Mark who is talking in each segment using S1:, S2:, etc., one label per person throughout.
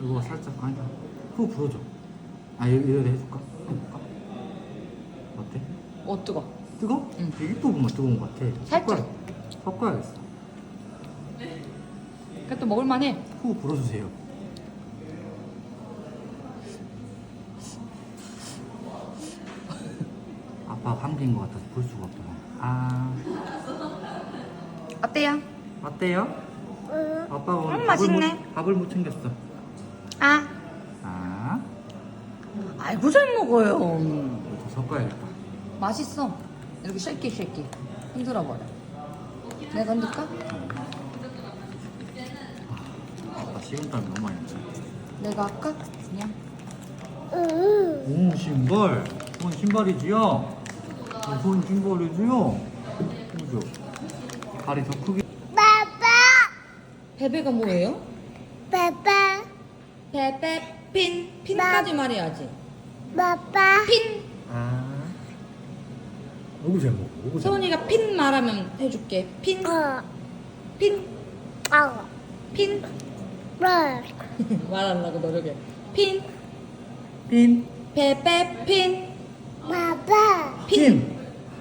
S1: 이거 살짝 아니다. 후 불어줘. 아 이래도 해줄까? 해볼까? 어때?
S2: 뜨거.
S1: 뜨거?
S2: 응.
S1: 일부분만 뜨거운 것 같아.
S2: 살짝.
S1: 섞어야겠어.
S2: 그래도 먹을만해.
S1: 후 불어주세요. 아빠 감기인 것 같아서 볼 수가 없더만.
S2: 어때요?
S1: 어때요? 아빠가 오늘
S2: 맛있네.
S1: 밥을 못 챙겼어.
S2: 아. 아이고 잘 먹어요.
S1: 더 섞어야겠다.
S2: 맛있어. 이렇게 쉐이키 흔들어 버려. 내가 흔들까?
S1: 아빠 식은땀이 너무 많이 나네.
S2: 내가 할까? 그냥.
S1: 오 신발. 손 신발이지요? 손 신발이지요? 그죠? 발이 더 크게.
S2: 베베가 뭐예요?
S3: 빠빠,
S2: 베베 핀까지 말해야지.
S3: 빠빠,
S2: 핀.
S1: 너무 잘 먹어. 너무 잘 먹어.
S2: 서원이가 핀 말하면 해줄게. 핀. 핀. 핀. 말하려고 노력해. 핀.
S1: 핀.
S2: 베베 핀.
S3: 빠빠,
S1: 핀.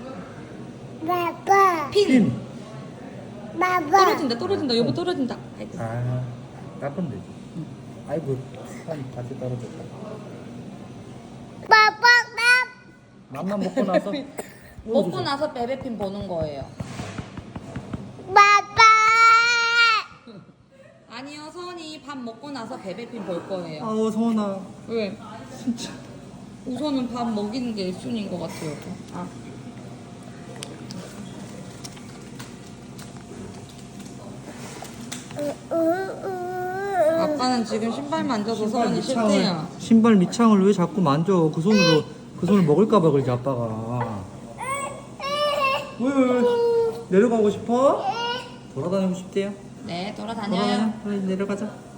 S3: 빠빠,
S2: 핀.
S3: 빠빠,
S2: 떨어진다. 여보 떨어진다. 아이고.
S1: 닦으면 되지. 아이고 한 같이 떨어졌다.
S3: 빠빠,
S1: 맘만 먹고 나서.
S2: 먹고 나서 베베핀 보는 거예요.
S3: 빠빠,
S2: 아니요, 서원이 밥 먹고 나서 베베핀 볼 거예요.
S1: 아우 서원아.
S2: 왜?
S1: 진짜.
S2: 우선은 밥 먹이는 게 1순위인 것 같아요. 아빠는 지금 신발 만져서 서원이 싫대요.
S1: 신발 밑창을 왜 자꾸 만져? 그 손을 먹을까봐 그러지 아빠가. 왜? 내려가고 싶어? 돌아다니고 싶대요.
S2: 네, 돌아다녀요.
S1: 그래 내려가자.